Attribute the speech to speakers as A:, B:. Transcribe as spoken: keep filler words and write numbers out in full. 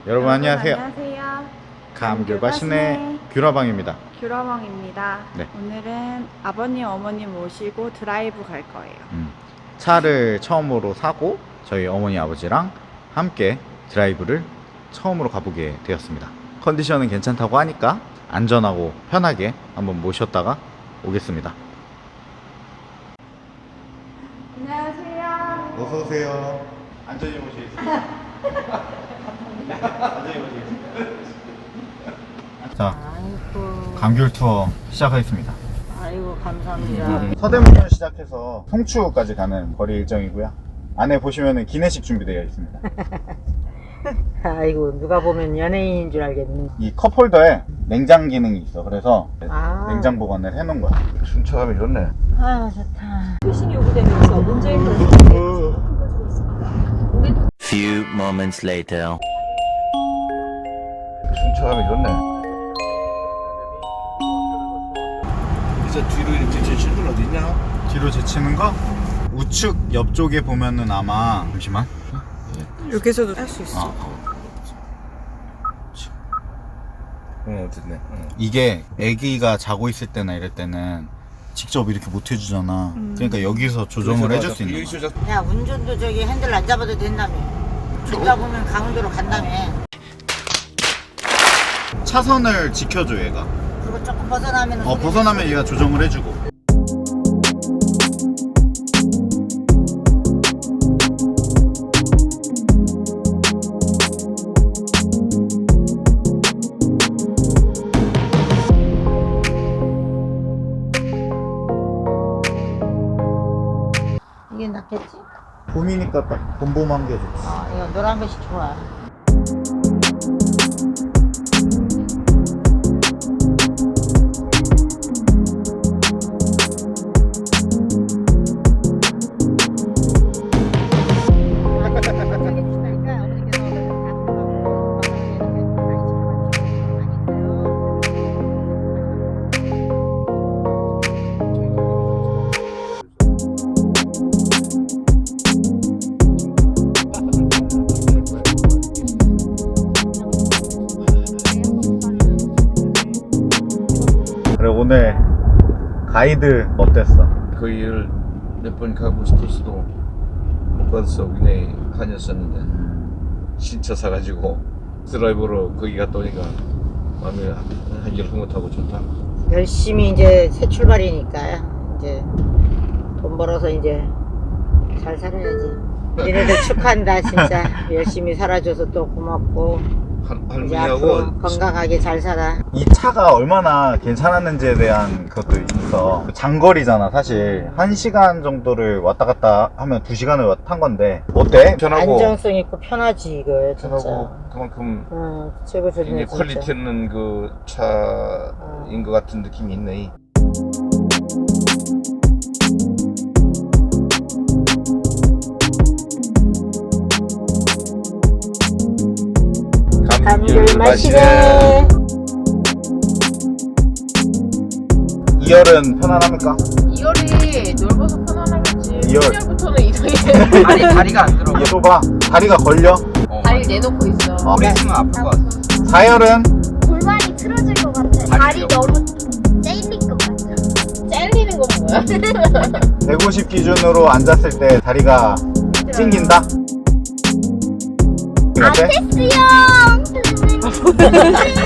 A: 여러분 안녕하세요.
B: 안녕하세요.
A: 감귤과신의 귤화방입니다.
B: 귤화방입니다.
A: 네.
B: 오늘은 아버님, 어머님 모시고 드라이브 갈 거예요.
A: 음, 차를 처음으로 사고 저희 어머니 아버지랑 함께 드라이브를 처음으로 가보게 되었습니다. 컨디션은 괜찮다고 하니까 안전하고 편하게 한번 모셨다가 오겠습니다.
B: 안녕하세요.
A: 어서 오세요. 안전히 모시겠습니다. 안전히 모시겠습니다. 자,
C: 아이고,
A: 감귤 투어 시작하겠습니다.
C: 아이고 감사합니다.
A: 서대문을 시작해서 송추까지 가는 거리 일정이고요. 안에 보시면은 기내식 준비되어 있습니다.
C: 아이고 누가 보면 연예인인 줄 알겠네.
A: 이 컵홀더에 냉장 기능이 있어. 그래서
C: 아.
A: 냉장 보관을 해놓은 거야. 순차감이 좋네.
C: 아 좋다.
D: 표식이 요구되면서 문제인 것을
E: Few moments later.
F: 순차감이 좋네. 이제 뒤로 이렇게 제칠 건 어디 있냐?
A: 뒤로 제치는 거? 우측 옆쪽에 보면은 아마 잠시만.
B: 여기서도 할 수 있어.
A: 어,
F: 어, 어쨌네. 어.
A: 이게 아기가 자고 있을 때나 이럴 때는 직접 이렇게 못 해주잖아. 그러니까 여기서 조정을 해줄 수 있는 거야.
C: 야 운전도 저기 핸들 안 잡아도 된다며. 안 잡으면 강원도로 간다며.
A: 차선을 지켜줘 얘가.
C: 그리고 조금 벗어나면
A: 어 벗어나면 얘가 조정을 해주고.
C: 이게 낫겠지?
A: 봄이니까 딱 봄봄한 게 좋지.
C: 아 이거 노란 것이 좋아.
A: 그래 오늘 가이드 어땠어?
F: 거기를 몇 번 가고 싶었어도 못 가서 그냥 다녔었는데 신차 사가지고 드라이버로 거기 갔다 오니까 마음이 한결 흐뭇하고 좋다.
C: 열심히 이제 새 출발이니까 이제 돈 벌어서 이제 잘 살아야지. 니네들 축하한다 진짜. 열심히 살아줘서 또 고맙고.
F: 할,
C: 이제 앞으로
F: 할머니하고
C: 건강하게 잘 살아.
A: 이 차가 얼마나 괜찮았는지에 대한 것도 있어. 장거리잖아 사실. 한 시간 정도를 왔다 갔다 하면 두 시간을 탄 건데 어때?
F: 편하고
C: 안정성 있고 편하지 이거 진짜.
F: 편하고 그만큼
C: 응 최고 좋네
F: 굉장히
C: 진짜.
F: 퀄리티 있는 그 차인 것 같은 느낌이 있네.
C: 감귤 마시네.
A: 이열은 편안합니까?
D: 이열이 넓어서 편안하겠지.
A: 이열.
D: 일 년부터는 이상해.
G: 아니 다리가 안 들어.
A: 얘도 봐. 다리가 걸려.
G: 어,
D: 다리 내놓고 있어.
A: 어.
G: 오래 있으면 아플 것 같아.
A: 사열은
H: 골반이 틀어질 것 같아. 다리 너무 째릴 것 같아.
D: 잘리는 건 뭐야?
A: 백오십 기준으로 앉았을 때 다리가 찡긴다? 어때?
H: 아테스형.